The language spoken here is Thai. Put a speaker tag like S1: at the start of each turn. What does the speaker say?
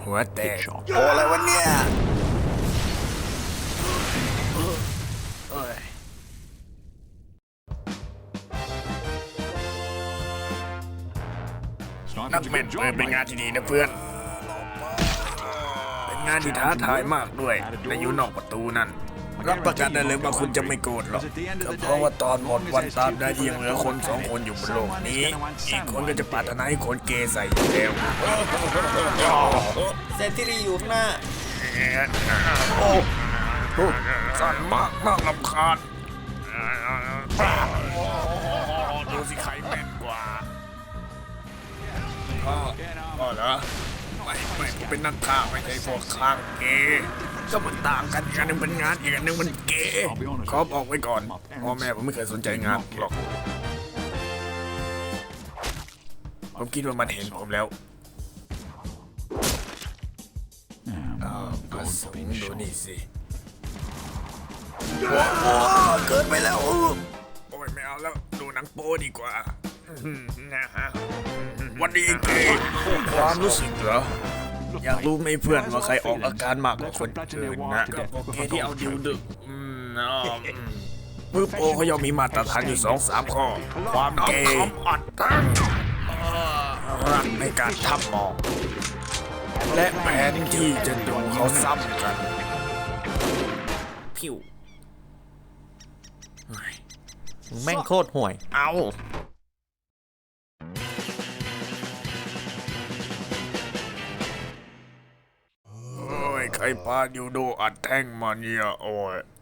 S1: หัวแตกโอ้อะไรวะเนี่ยนักแมนเปิดเป็นงานที่ดีนะเพื่อนเป็นงานที่ท้าทายมากด้วยและอยู่นอกประตูนั่นรับประกันได้เลยว่าคุณจะไม่โกรธหรอกก็เพราะว่าตอนหมดวันตามได้ที่ยังเหลือคน2 คนอยู่บนโลกนี้อีกคนก็จะปรารถนาให้คนเกย์ใส่อยู่แล้ว
S2: เซนที่รีอยู่ข้างหน้า
S1: โอ้สั่นมากรำคาญดูสิใครแม่นกว่าก็เหรอไม่ผมเป็นนักฆ่าไม่ใช่พวกข้างเกย์ก็มันต่างกันอันนึงเป็นงานอีกอันนึงมันเกย์ขอบอกไว้ก่อนพ่อแม่ผมไม่เคยสนใจงานหรอกผมคิดว่ามันเห็นผมแล้วกระสุนดูนี่สิเกินไปแล้วโอ้ยไม่เอาแล้วดูหนังโป๊ดีกว่าวันนี้เกย์ความรู้สึกเหรออยากรู้ไหมเพื่อนว่าใครออกอาการมากกว่าคนอื่นนะก็พวกเกย์ที่เอาดิวดึกมือโปเขาย่อมมีมาตรฐานอยู่2-3 ข้อความเกย์อัดตั้งรักในการทำมองและแผนที่จะดูเขาซ้ำกันพิว
S2: แม่งโคตรห่วย
S1: เอาโอ้ยใครพายูโดอัดแท่งมาเนี่ยโอ้ย